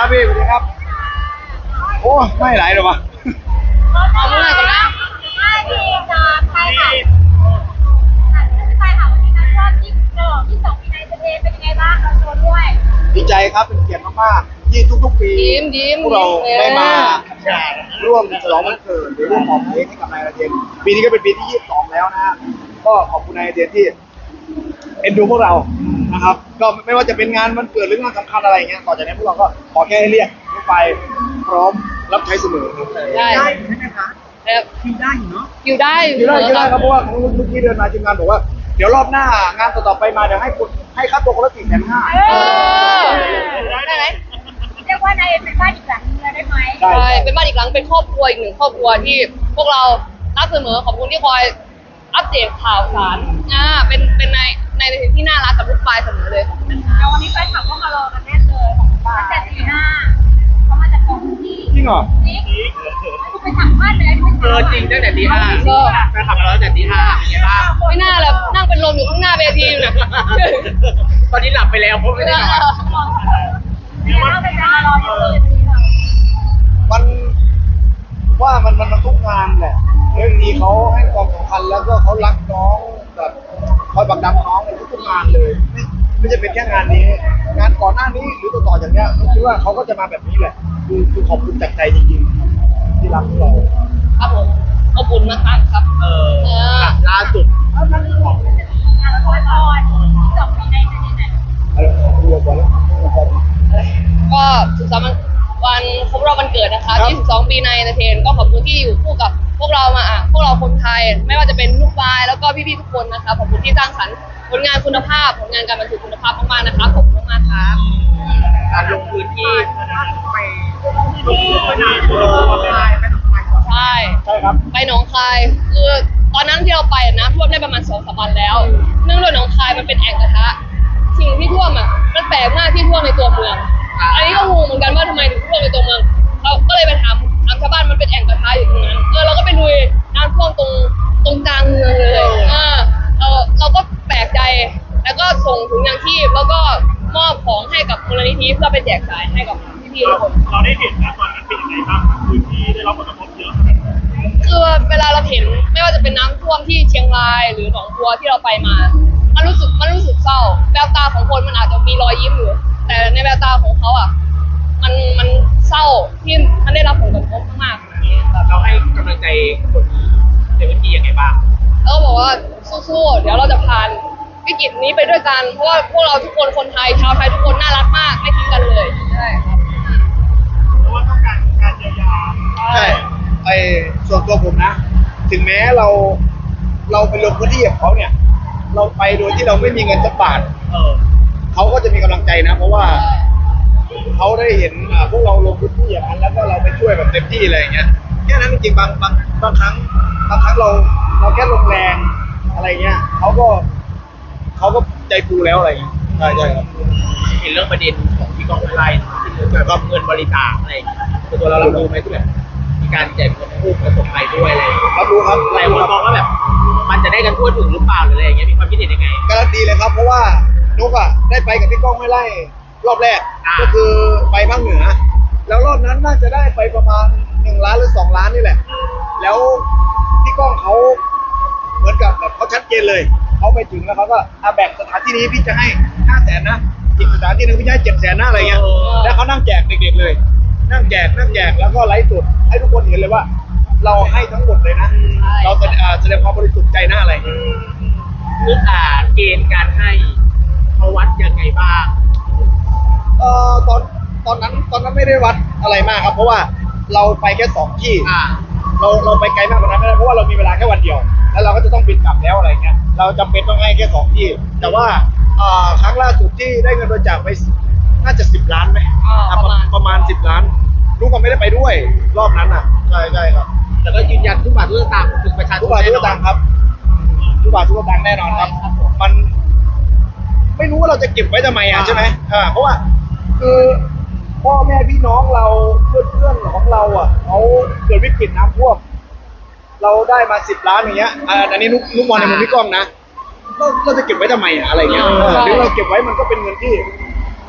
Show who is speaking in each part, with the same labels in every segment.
Speaker 1: ครับพี่สวัสดีครับโอ้ไม่ไหลหรอวะ
Speaker 2: เอาเมื่อไหร่กันนะไม่ดีจ้าใช่ค่ะใช่ค่ะวันนี้นะช่วงที่2ปีในประเทศเป็นยังไงบ้างเราโชว์ด้วย
Speaker 1: ดีใจครับเป็นเกียรติมากๆที่ทุกๆปีพวกเราได้มาร่วมฉลองวันเกิดหรือร่วมหอมเค้กให้กับนายอาเจนปีนี้ก็เป็นปีที่22แล้วนะฮะก็ขอบคุณนายอาเจนที่เอ็นดูพวกเรานะครับก็ไม่ว่าจะเป็นงานวันเกิดหรืองานสำคัญอะไรอย่างเงี้ยต่อจากนี้พวกเราก็ขอแค่ให้เรียกทุกไปพร้อมรับใช้เสมอครับ
Speaker 2: ได้
Speaker 3: ใช่ไหมคะคิวได้อยู่เนาะ
Speaker 2: อยู่ได้
Speaker 1: ครับเพราะว่าเมื่อกี้เดินมาทีมงานบอกว่าเดี๋ยวรอบหน้างานต่อๆไปมาเดี๋ยวให้ค่าตัวคนละ450,000
Speaker 2: ได้ไหมเรียกว่านายเป็นบ้านอีกหลังนึงได้ไหม
Speaker 4: ใช่เป็นบ้านอีกหลังเป็นครอบครัวอีกหนึ่งครอบครัวที่พวกเรารักเสมอขอบคุณที่คอยอัปเดตข่าวสารเป็นในที่น่ารักกับลูกปลายเสมอเลย
Speaker 2: เดี๋ยววันนี้แฟนคลับก็มารอกันแน่เลยตั้งแต่ตี 5เขามาจากกองที่
Speaker 1: จริงเหรอ
Speaker 2: จริงคุณไปสัมภาษณ์เลย
Speaker 3: จริงตั้งแต่ตี 5แฟนคลับเราตั้งแต่ตี 5เป็นไงบ้าง
Speaker 4: ไม่น่าเลยนั่งเป็นลมอยู่ข้างหน้าเวทีอยู่นะ
Speaker 3: ตอนนี้หลับไปแล้วเพราะไม่ได้นอน
Speaker 2: เดี๋ยวเราไปรอเยอะเลย
Speaker 1: มันว่ามันทุกงานแหละเรื่องนี้เขาให้ความสำคัญแล้วก็เขารักน้องแบบคอยบักดันน้องในทุกๆงานเลยไม่จะเป็นแค่งานนี้งานก่อนหน้านี้หรือต่อจากเนี้ยผมคิดว่าเขาก็จะมาแบบนี้แหละคือขอบคุณจากใจจริงๆที่รักเรา
Speaker 4: ครับผมอบอุ่นมากๆครับ
Speaker 3: ล่าสุด
Speaker 2: งานละครตอน2ปีในประเทศไหน
Speaker 1: อะไรเรียกว่า
Speaker 4: ก็สุขสันต์วันครบรอบวันเกิดนะคะ22 ปีในเอนเตอร์เทนก็ขอบคุณที่อยู่คู่กับพวกเรามาพวกเราคนไทยไม่ว่าจะเป็นลูกปลายแล้วก็พี่ๆทุกคนนะคะขอบคุณที่สร้างสรรค์ผลงานคุณภาพผลงานการบันทึกคุณภาพมากๆนะคะขอบคุณมากๆครับ
Speaker 3: การลงพื้นที่ไป
Speaker 4: ใช่
Speaker 1: ครับ
Speaker 4: ไปหนองคายคือตอนนั้นที่เราไปน้ำท่วมได้ประมาณ2-3 วันแล้วเนื่องด้วยหนองคายมันเป็นแอ่งกระทะสิ่งที่ท่วมมันแปลกมากที่ท่วมในตัวเมืองอันนี้ก็งงเหมือนกันว่าทำไมถึงท่วมในตัวเมืองเราก็เลยไปถามชาวบ้านมันเป็นแอ่งกระทะอยู่ตรงนั้นเราก็ไปดูน้ำท่วมตรงกลางเมืองเลยเราก็แปลกใจแล้วก็ส่งถุงยางชีพแล้วก็มอบของให้กับมูลนิธิเพื่อไปแจกจ่ายให้กับพี่ๆทุกคน
Speaker 3: เราได้เห็นนะตอนนั้นเป็นยังไงบ้างพื้นที่ได้รับผลกระทบเยอะ
Speaker 4: คือเวลาเราเห็นไม่ว่าจะเป็นน้ำท่วมที่เชียงรายหรือหนองบัวที่เราไปมามันรู้สึกเศร้าแววตาของคนมันอาจจะมีรอยยิ้มอยู่แต่ในแววตาของเขามันเศร้าที่มันได้รับผลกระทบมากๆ
Speaker 3: เราให้กำลังใจคนในพื้นที่ยังไงบ้าง
Speaker 4: แล้วบอกว่าสู้ๆเดี๋ยวเราจะผ่านวิกฤตนี้ไปด้วยกันเพราะว่าพวกเราทุกคนคนไทยชาวไทยทุกคนน่ารักมากไม่ทิ้งกันเลยใช่ครับ
Speaker 3: เพราะว่าต้องการเยียวยา
Speaker 1: ใช่ส่วนตัวผมนะถึงแม้เราไปลงพื้นที่กับเขาเนี่ยเราไปโดยที่เราไม่มีเงินสักบาทเขาก็จะมีกำลังใจนะเพราะว่าเขาได้เห็นพวกเราลงพื้นที่อย่างนั้นแล้วก็เราไปช่วยแบบเต็มที่อะไรอย่างเงี้ยแค่นั้นจริงๆบางครั้งเราแค่ลงแรงอะไรเงี้ยเขาก็ใจฟูแล้วอะไรอย่างเงี้ยใช่ครับ
Speaker 3: เห็นเรื่องประเด็นของพี่ก้องไล่ที่เกี่ยวกับเงินบริจาคอะไรตัวเราดูไหมที่แบบมีการแจกเงินผู้ประสบภัยด้วยอะไร
Speaker 1: รับรู้ครับ
Speaker 3: หลายคนมองว่าแบบมันจะได้กันทั่วถึงหรือเปล่าหรืออะไรอย่างเงี้ยมีความคิดเห็นยังไง
Speaker 1: การันตีเลยครับเพราะว่านุกได้ไปกับพี่ก้องไม่ไล่รอบแรกก็คือไปภาคเหนือแล้วรอบนั้นน่าจะได้ไปประมาณ1 ล้านหรือ2 ล้านนี่แหละแล้วพี่ก้องเขาเหมือนกับแบบเขาชัดเจนเลยเขาไปถึงแล้วเขาก็แบ่งสถานที่นี้พี่จะให้500,000นะอีกสถานที่นึงพี่จะให้700,000นะอะไรเงี้ยแล้วเขานั่งแจกเด็กๆเลยนั่งแจกแล้วก็ไลฟ์สดให้ทุกคนเห็นเลยว่าเราให้ทั้งหมดเลยนะเราแสดงความบริสุทธิ์ใจหน้าอะไร
Speaker 3: คือเกณฑ์การให้เขาวัดยังไงบ้าง
Speaker 1: ตอนนั้นไม่ได้วัดอะไรมากครับเพราะว่าเราไปแค่2 ที่เราไปไกลมากกว่านั้นไม่ได้เพราะว่าเรามีเวลาแค่วันเดียวแล้วเราก็จะต้องบินกลับแล้วอะไรเงี้ยเราจำเป็นต้องให้แค่2 ที่แต่ว่าครั้งล่าสุดที่ได้เงินบริจาคไปน่าจะ10 ล้านไหมประมาณ10 ล้านลูกก็ไม่ได้ไปด้วยรอบนั้นใช่ครับ
Speaker 3: แต่ก็ยืนยันทุกบาททุกสตางค์ถึงประชาชน
Speaker 1: ทุกบาททุกสตางค์ครับทุกบาททุกสตางค์แน่นอนครับมันไม่รู้ว่าเราจะเก็บไว้ทำไมใช่ไหมเพราะว่าคือพ่อแม่พี่น้องเราเพื่อนของเราเขาเกิดวิกฤตน้ำท่วมเราได้มา10 ล้านอย่างเงี้ยอันนี้นุกมองในมุมพี่ก้องนะเราจะเก็บไว้ทำไมอะไรเงี้ยหรือเราเก็บไว้มันก็เป็นเงินที่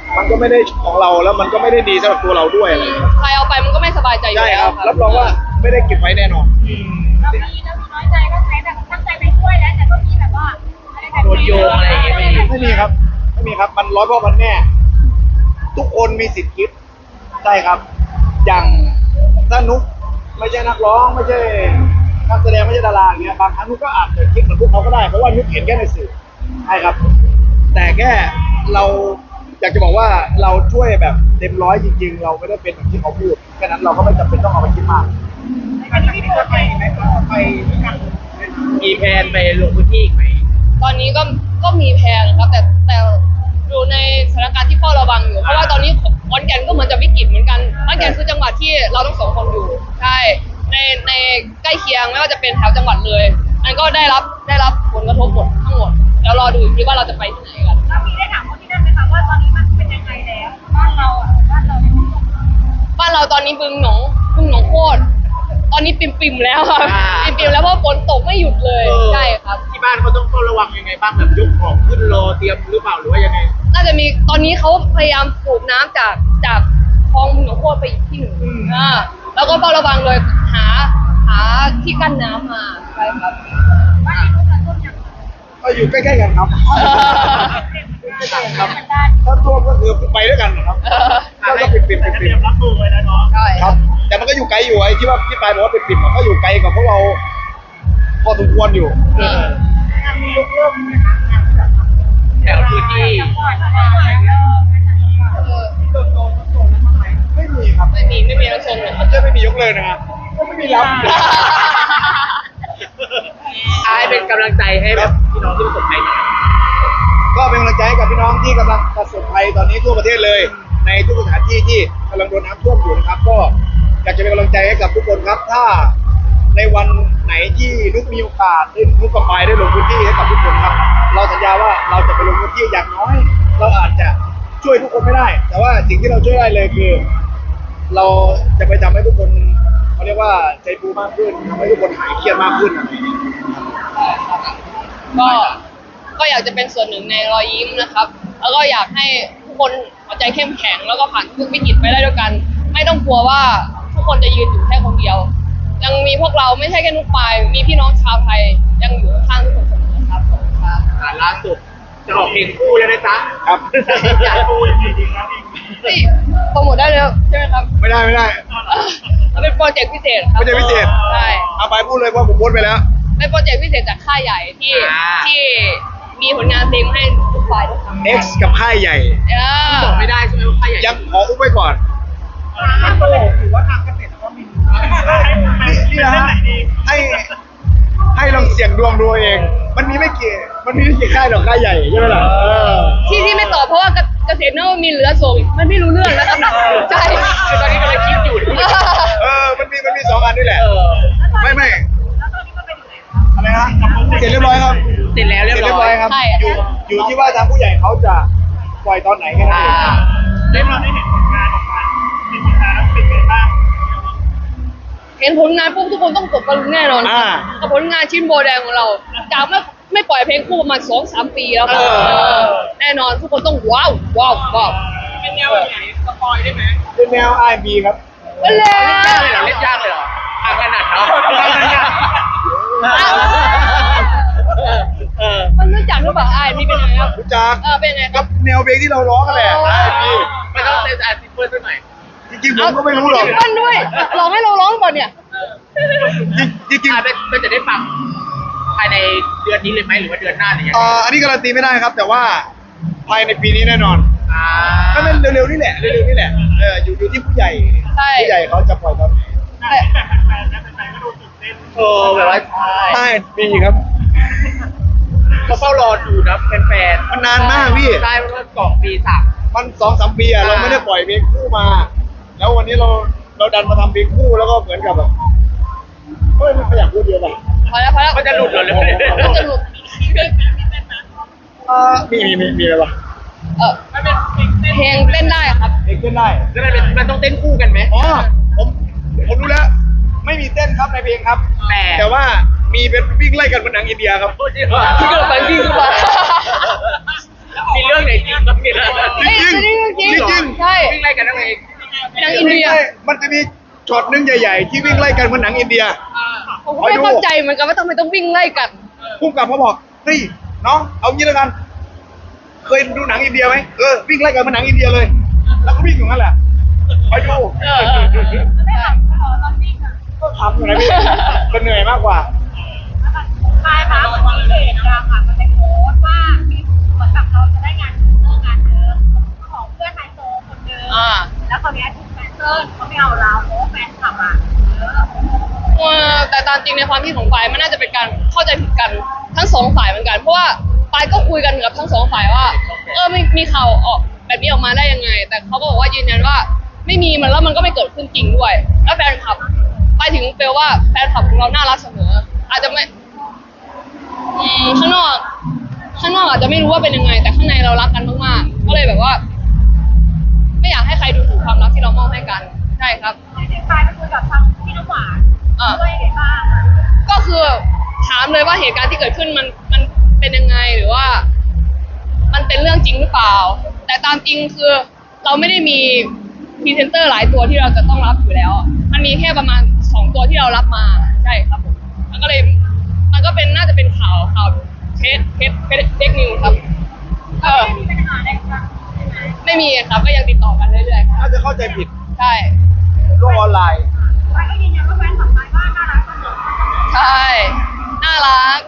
Speaker 1: มันก็ไม่ได้ของเราแล้วมันก็ไม่ได้ดีสำหรับตัวเราด้วยอะไรอย่างเงี้ย
Speaker 4: ใครเอาไปมันก็ไม่สบายใจอยู่
Speaker 1: ใช่
Speaker 4: แล้ว
Speaker 1: ครับรับรองว่าไม่ได้เก็บไว้แน่นอน
Speaker 2: เรามีน้อยใจก็ใช้แบบตั้งใจไปช่วยแล้วแต่ก็มีแบบว่าอะไรแบบ
Speaker 3: โดนโยงอะไรอย่างเงี้ยไม่มี
Speaker 1: ไม่มีครับไม่มีครับมันร้อยพ่อพันแม่ ทุกคนมีสิทธิ์คิดใช่ครับ อย่างถ้านุกไม่ใช่นักร้องไม่ใช่นักแสดงไม่ใช่ดาราอย่างเงี้ยบางครั้งนุกก็อาจจะคิดเหมือนพวกเขาก็ได้เพราะว่านุกเห็นแค่ในสื่อใช่ครับ แต่แค่เราอยากจะบอกว่าเราช่วยแบบเต็มร้อยจริงๆ เราไม่ได้เป็นแบบที่เขาพูดแค่นั้นเราก็ไม่จำเป็นต้องเอาไปคิดมาก
Speaker 2: อันนี้พี่ปวดไปไหม
Speaker 1: ไปด้วยกัน
Speaker 3: มีแผนไปลงพื้นที่อีกไหม
Speaker 4: ตอนนี้ก็มีแพลนครับแต่อยู่ในสถานการณ์ที่เฝ้าระวังอยู่เพราะว่าตอนนี้ขอนแก่นก็เหมือนจะวิกฤตเหมือนกันขอนแก่นคือจังหวัดที่เราทั้งสองคนอยู่ใช่ในใกล้เคียงไม่ว่าจะเป็นแถวจังหวัดเลยอันก็ได้รับผลกระทบหมดทั้งหมดแล้วรอดูอีกทีว่าเราจะไปที่ไหนกัน
Speaker 2: เรามีได้ถามคนที่นั่นไหมคะว่าตอนนี้มันเป็นยังไงแล้วบ้านเราเนี่ย
Speaker 4: บ้านเราตอนนี้บึงหนองโคตรตอนนี้ปิ่มๆแล้วครับปิ่มๆแล้วเพราะฝนตกไม่หยุดเลยใช่ครับ
Speaker 3: ที่บ้านเขาต้องเฝ้าระวังยังไงบ้างแบบยกของขึ้นรอเตรียมหรือเปล่าหรือว่ายังไง
Speaker 4: น่าจะมีตอนนี้เขาพยายามสูบน้ำจากคลองบึงหนองโคตรไปอีกที่หนึ่งแล้วก็เฝ้าระวังเลยหาที่กั้นน้ำมาใช่ครับ
Speaker 2: บ้านนี้เขาจะต้นอย่าง
Speaker 1: ก็อยู่ใกล้ๆกันครับ
Speaker 2: ครับ
Speaker 1: ถ้าท่วมก็คือไปด้วยกันนะครับก็ปิด
Speaker 3: เตรียมรับมือไว้แล้วเนาะ
Speaker 4: ใช่
Speaker 1: ครับ แต่มันก็อยู่ไกลอยู่ไอ้ที่ว่าพี่ปายบอกว่าปิดมันก็อยู่ไกลกับพวกเราพอสมควรอยู่
Speaker 2: มีลูกเริ่มไหมคะ
Speaker 3: แถวพื้นที่
Speaker 1: ไม่มีครับ
Speaker 4: ไม่มีน้ำชนเลยครับ
Speaker 1: จะไม่มียกเลยนะฮะก็ไม่มีรับ
Speaker 3: อายเป็นกำลังใจให้แบบพี่น้องที่ประสบภัยหน่อย
Speaker 1: ก็เป็นกำลังใจให้กับพี่น้องที่กำลังประสบภัยตอนนี้ทั่วประเทศเลย ในทุกสถานที่ที่กำลังโดนน้ำท่วมอยู่นะครับ ก็อยากจะเป็นกำลังใจให้กับทุกคนครับ ถ้าในวันไหนที่นุกมีโอกาสได้นุกกับปายได้ลงพื้นที่ให้กับทุกคนครับ เราสัญญาว่าเราจะไปลงพื้นที่อย่างน้อย เราอาจจะช่วยทุกคนไม่ได้ แต่ว่าสิ่งที่เราช่วยได้เลยคือ เราจะไปทำให้ทุกคนเขาเรียกว่าใจฟูมากขึ้นทำให้ทุกคนหายเครียดมากขึ้นอะไรอย่างเงี้ย
Speaker 4: ก็อยากจะเป็นส่วนหนึ่งในรอยยิ้มนะครับ แล้วก็อยากให้ทุกคนหัวใจเข้มแข็งแล้วก็ผ่านทุกวิกฤตไปได้ด้วยกัน ไม่ต้องกลัวว่าทุกคนจะยืนอยู่แค่คนเดียว ยังมีพวกเราไม่ใช่แค่นุกปายมีพี่น้องชาวไทยยังอยู่ข้างๆทุกคนเสมอครับขอบคุณครับ
Speaker 3: ล่าสุดจะออกเพลงคู่แล้วนะจ๊ะ
Speaker 1: ครับ
Speaker 3: อยากคู่จริงๆนะ
Speaker 4: นี่โปรโมทได้เลยใช่ไหมครับ
Speaker 1: ไม่ได้
Speaker 4: มันเป็นโปรเจกต์พิเศษครับ
Speaker 1: โปรเจกต์พิเศษ
Speaker 4: ใช่
Speaker 1: เอาไปพูดเลยว่าผมโพสต์ไปแล้ว
Speaker 4: เป็นโปรเจกต์พิเศษจากค่ายใหญ่ที่มีผลงานเพลงให้ทุกฝ่ายด้วยครับ
Speaker 1: X กับค่ายใหญ่
Speaker 3: บอกไม่ได้ใช่ไหมว่าใครอยาก
Speaker 1: ยังขออุ้มไว้ก่อน
Speaker 3: มันโตหรือว่าทางเกษตรก็มี
Speaker 1: นี่นะฮะให้ลองเสี่ยงดวงดูเอง มันมีไม่กี่ค่ายหรอกค่ายใหญ่ใช่ไหมล่ะ
Speaker 4: ที่ไม่ตอบเพราะว่าเกษตรนวมินทร์เหลือส่งมันไม่รู้เรื่องนะครับใช่
Speaker 3: คือตอนนี้กำลังคิดอยู่
Speaker 1: มันมีสองอันนี่แหละ ไม่
Speaker 2: แล้วตอนนี้ก็เป็นอยู่ไหนคะ
Speaker 1: อะไรฮะเสร็จเรียบร้อยครับ
Speaker 3: เสร็จแล้วเรียบร้อย
Speaker 1: ครับ
Speaker 4: ใช่
Speaker 1: อยู่ที่ว่าทางผู้ใหญ่เขาจะปล่อยตอนไหนแค่นั้นเอง
Speaker 3: ได้เราได้เห็นผลงานออกมาเป็นผลงานแล้วเป็นไงบ้าง
Speaker 4: เห็นผลงานปุ๊บทุกคนต้องตกตะลึงแน่นอนกับผลงานชิ้นโบแดงของเราจากไม่ปล่อยเพลงคู่ประมาณ 2-3 ปีแล้วครับแน่นอนทุกคนต้องว้าว
Speaker 3: เป็นแนวไหนสปอยได้ไหม
Speaker 1: เป็นแนว R&B ครับ
Speaker 4: ไปเลย
Speaker 3: เล่นยากเลยเหรอทางถนัดเนาะ
Speaker 4: มันรู้จักหรือเปล่ามีเป็นไงครับ
Speaker 1: รู้จัก
Speaker 4: เป็นไงค
Speaker 1: กั
Speaker 4: รั
Speaker 1: บบ แนวเพลงที่เราร้องกันแหละ R&B
Speaker 3: ไม่ต้องเต้นอาร์ติเฟิร์สหน่อย
Speaker 1: จริงๆผมก็ไม่รู้หรอก
Speaker 4: มันด้วยลองให้เราร้องก่อนเนี่ย
Speaker 1: จริง
Speaker 3: มันจะได้ฟังภายในเดือนนี้เลยไหมหรือว่าเดือนหน้าหรือยังไง
Speaker 1: อันนี้การันตีไม่ได้ครับ แต่ว่าภายในปีนี้แน่นอน ก็เป็นเร็วๆนี่แหละอยู่ที่ผู้ใหญ่
Speaker 4: ใช่
Speaker 1: ผู้ใหญ่เขาจะปล่อยตอนไหน
Speaker 3: แบบว่า
Speaker 1: ใช่มีครับ
Speaker 3: เขาเฝ้ารอดูนะแฟนๆ
Speaker 1: มันนานมากพี่
Speaker 3: ใช่มันก็กล่องปีสาม
Speaker 1: มัน2-3 ปีอะเราไม่ได้ปล่อยเพลงคู่มา แล้ววันนี้เราดันมาทำเพลงคู่แล้วก็เหมือนกับแบบเฮ้ยไม่อยากพูดเยอะไป
Speaker 4: พอแล้ว
Speaker 3: มันจะหลุดเหรอเลย
Speaker 4: มันจะหลุด
Speaker 1: มีอะไรวะ
Speaker 3: มันเป็น
Speaker 4: เพลงเต้นได้ครับ
Speaker 1: เพลงขึ้นได้
Speaker 3: มันต้องเต้นคู่กันไหม
Speaker 1: อ๋อผมรู้แล้ว ไม่มีเต้นครับในเพลงครับ แต่ว่ามีเป็นวิ่งไล่กันบนหนังอินเดียครับ
Speaker 3: พูดจริงเหรอ
Speaker 4: ที่เกิดไปวิ่งขึ้นมา
Speaker 3: มีเรื่องไหนจริงบ้างเนี่ย
Speaker 4: เอ้ยจริงจริง
Speaker 1: จริง
Speaker 4: ใช่
Speaker 3: วิ่งไล่กันนั่นเอง
Speaker 4: หนังอินเดีย
Speaker 1: มันจะมีช็อตหนึงใหญ่ๆ ที่วิ่งไล่กันเหมือนหนังอินเดีย
Speaker 4: ผมก็ไม่เข้าใจเหมือนกันว่าทำไมต้องวิ่งไล่กัน
Speaker 1: พุ่งกลับเขาบอกเฮ้ยน้องเอางี้แล้วกัน เคยดูหนังอินเดียไหมวิ่งไล่กันเหมือนหนังอินเดียเลย แล้วก็วิ่งอยู่นั่นแหละไปดู
Speaker 2: ไม่หลับตอนวิ่งอ่ะ
Speaker 1: ก็ทำอยู่นะพี่ก็เหนื่อยมากกว่า
Speaker 2: ใช่ค่ะเหมือนที่เพจดังอ่ะมันไปโพสต์ว่ามีเหมือนกับเราจะได้งานงานเดิมของเพื่อนไฮโซคนเดิม
Speaker 4: อ่า
Speaker 2: แล้วคราวนี้ถูกแฟนเซิร์เขาไม่เอาเราเพราะว่าแฟนคลับอ่ะเยอะ
Speaker 4: แต่ตามจริงในความคิดของฝ่ายมันน่าจะเป็นการเข้าใจผิดกันทั้งสองฝ่ายเหมือนกัน เพราะว่าฝ่ายก็คุยกันกับทั้งสองฝ่ายว่าไม่มีข่าวออกแบบนี้ออกมาได้ยังไง แต่เขาก็บอกว่ายืนยันว่าไม่มีมันแล้วมันก็ไม่เกิดขึ้นจริงด้วย แล้วแฟนคลับไปถึงเปลว่าแฟนคลับของเราน่ารักเสมอ อาจจะไม่ข้างนอกอาจจะไม่รู้ว่าเป็นยังไง แต่ข้างในเรารักกันมากๆก็เลยแบบว่า ไม่อยากให้ใครดูถูกความรักที่เรามอบให้กันใช่ครับ
Speaker 2: จริงๆไปคุยกับทางพี่น้ำหวานด้วยยังไงบ้าง
Speaker 4: ก็คือถามเลยว่าเหตุการณ์ที่เกิดขึ้นมันเป็นยังไงหรือว่า มันเป็นเรื่องจริงหรือเปล่า แต่ตามจริงคือเราไม่ได้มีพรีเซนเตอร์หลายตัวที่เราจะต้องรับอยู่แล้ว มันมีแค่ประมาณ2ตัวที่เรารับมาใช่ครับผมมันก็เลยมันก็เป็นน่าจะเป็นข่าวเฟกนิวครับ
Speaker 2: ไม่มีปัญหาอะไรกันใช่ไหม
Speaker 4: ไม่มีครับก็ยังติดต่อกันเรื่อยๆครับ
Speaker 1: น่าจะเข้าใจผิด
Speaker 4: ใช่
Speaker 1: โลกออนไลน์
Speaker 2: ไปก็ยืนยันว่าแฟนคลับไปว่าน่ารักเสมอ
Speaker 4: ใช่น่ารัก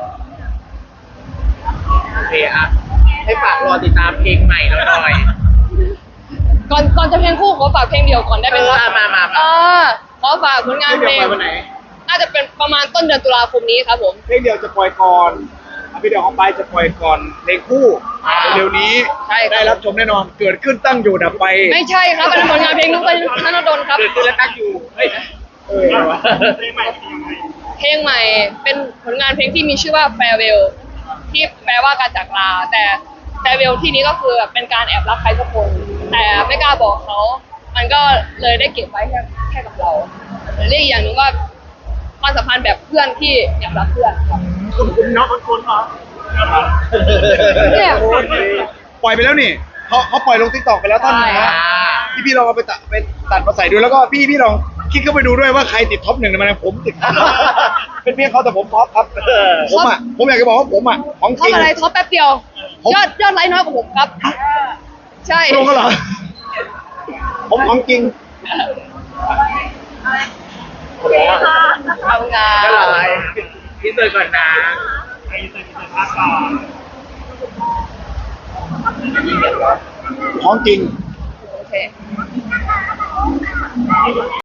Speaker 3: โอเคอ่ะให้ฝากรอติดตามเพลงใหม่เราหน่อย
Speaker 4: ก่อนจะเพลงคู่ขอฝากเพลงเดียวก่อนได้ไหมครับ
Speaker 3: มา
Speaker 4: ขอฝากผลงานเพลง
Speaker 1: เพลงเดียวปล่อยวันไหน
Speaker 4: น่าจะเป็นประมาณต้นเดือนตุลาคมนี้ครับผม
Speaker 1: เพลงเดียวจะปล่อยก่อนเพลงเดียวของไปจะปล่อยก่อนเพลงคู่เร็วๆนี้
Speaker 4: ใช่ครับ
Speaker 1: ได้รับชมแน่นอนเกิดขึ้นตั้งอยู่ดับไป
Speaker 4: ไม่ใช่ครับเป็นผลงานเพลงนุ๊กธนดลครับ
Speaker 3: เกิดขึ้นแล้วตั้งอยู่เฮ้ย
Speaker 1: เพลงใหม่เป็นยังไง
Speaker 4: เพลงใหม่เป็นผลงานเพลงที่มีชื่อว่า Farewell ที่แปลว่าการจากลาแต่ Farewell ที่นี้ก็คือเป็นการแอบรักใครสักคน แต่ไม่กล้าบอกเขา มันก็เลยได้เก็บไว้แค่กับเราเรียกอีกอย่างหนึ่งว่าความสัมพันธ์แบบเพื่อนที่แอบรักเพื่อนครับ
Speaker 3: คุณน้องคุณเหรอ
Speaker 4: เนี่ย
Speaker 1: ปล่อยไปแล้วนี่เขาปล่อยลงติ๊กต็อกไปแล้วท่านหนึงนะ พี่ลองเอาไปตัดมาใส่ดูแล้วก็พี่ลองคลิกเข้าไปดูด้วยว่าใครติดท็อป1ในมันผมติด เป็นเพียงเขาแต่ผมท็อปครับผมอยากจะบอกว่าผมของ
Speaker 4: ท็อ
Speaker 1: จ
Speaker 4: ป
Speaker 1: ริง
Speaker 4: อะไรท็อปแป๊บเดียว ยอดไลค์น้อยกว่าผมครับ ใช่
Speaker 1: ลงก็เหรอผมของจริง
Speaker 2: โอเคค่ะ
Speaker 4: ทำงาน
Speaker 3: ก็เลยพี่เตยก่อนนะ
Speaker 1: ของจริง
Speaker 4: โอเค